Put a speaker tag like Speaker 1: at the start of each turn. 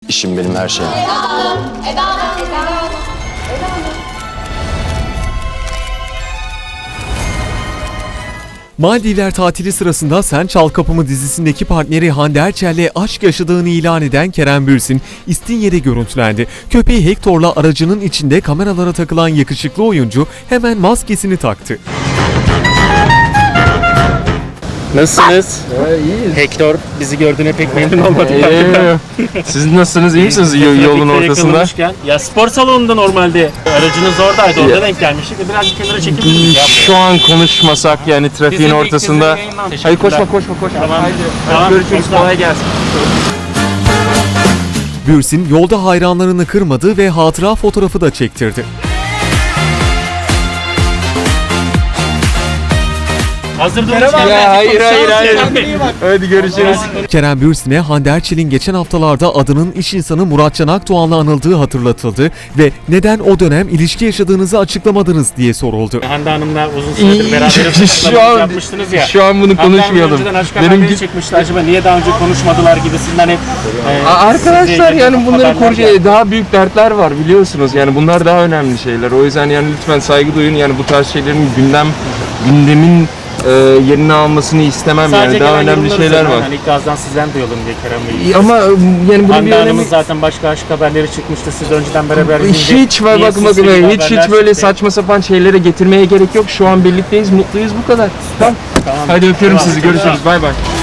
Speaker 1: İşim benim her şeyim.
Speaker 2: Maldivler tatili sırasında Sen Çal Kapımı dizisindeki partneri Hande Erçel'le aşk yaşadığını ilan eden Kerem Bürsin, İstinye'de görüntülendi. Köpeği Hector'la aracının içinde kameralara takılan yakışıklı oyuncu hemen maskesini taktı.
Speaker 3: Nasılsınız?
Speaker 4: İyiyiz.
Speaker 3: Hector bizi gördüğüne pek memnun olmadık.
Speaker 4: Siz nasılsınız? İyi misiniz yolun ortasında?
Speaker 3: Ya spor salonunda normalde aracınız oradaydı. Orada denk gelmiştik. Biraz kenara çekip
Speaker 4: Şu an konuşmasak yani trafiğin ortasında. Hayır koşma.
Speaker 3: Tamam.
Speaker 4: Hadi görüşürüz. Kolay gelsin.
Speaker 2: Bürsin yolda hayranlarını kırmadı ve hatıra fotoğrafı da çektirdi.
Speaker 3: Hazır durmuşken
Speaker 4: Ya hayır.
Speaker 3: hayır.
Speaker 4: Hadi görüşürüz.
Speaker 2: Kerem Bürsin'e Hande Erçel'in geçen haftalarda adının iş insanı Muratcan Akdoğan'la anıldığı hatırlatıldı ve neden o dönem ilişki yaşadığınızı açıklamadınız diye soruldu.
Speaker 3: Hande Hanım'la uzun süredir beraber yapmıştınız ya.
Speaker 4: Şu an bunu konuşmayalım.
Speaker 3: Önceden aşk
Speaker 4: Benim
Speaker 3: haberleri çekmişti. Acaba niye daha önce konuşmadılar gibisinden hep.
Speaker 4: Arkadaşlar yani bunların
Speaker 3: haberler
Speaker 4: daha büyük dertler var biliyorsunuz. Yani bunlar daha önemli şeyler. O yüzden yani lütfen saygı duyun. Yani bu tarz şeylerin gündemin yerini almasını istemem yani. Daha önemli şeyler var.
Speaker 3: Hani ilk ağızdan sizden duyalım diye Kerem Bey.
Speaker 4: Ama yani bunun bir
Speaker 3: Hande
Speaker 4: önemi...
Speaker 3: Hanım'ın zaten başka aşk haberleri çıkmıştı. Siz önceden beraber
Speaker 4: Hiç böyle saçma sapan şeylere getirmeye gerek yok. Şu an birlikteyiz, mutluyuz bu kadar. Tamam. Hadi öpüyorum sizi. Görüşürüz. Bay bay.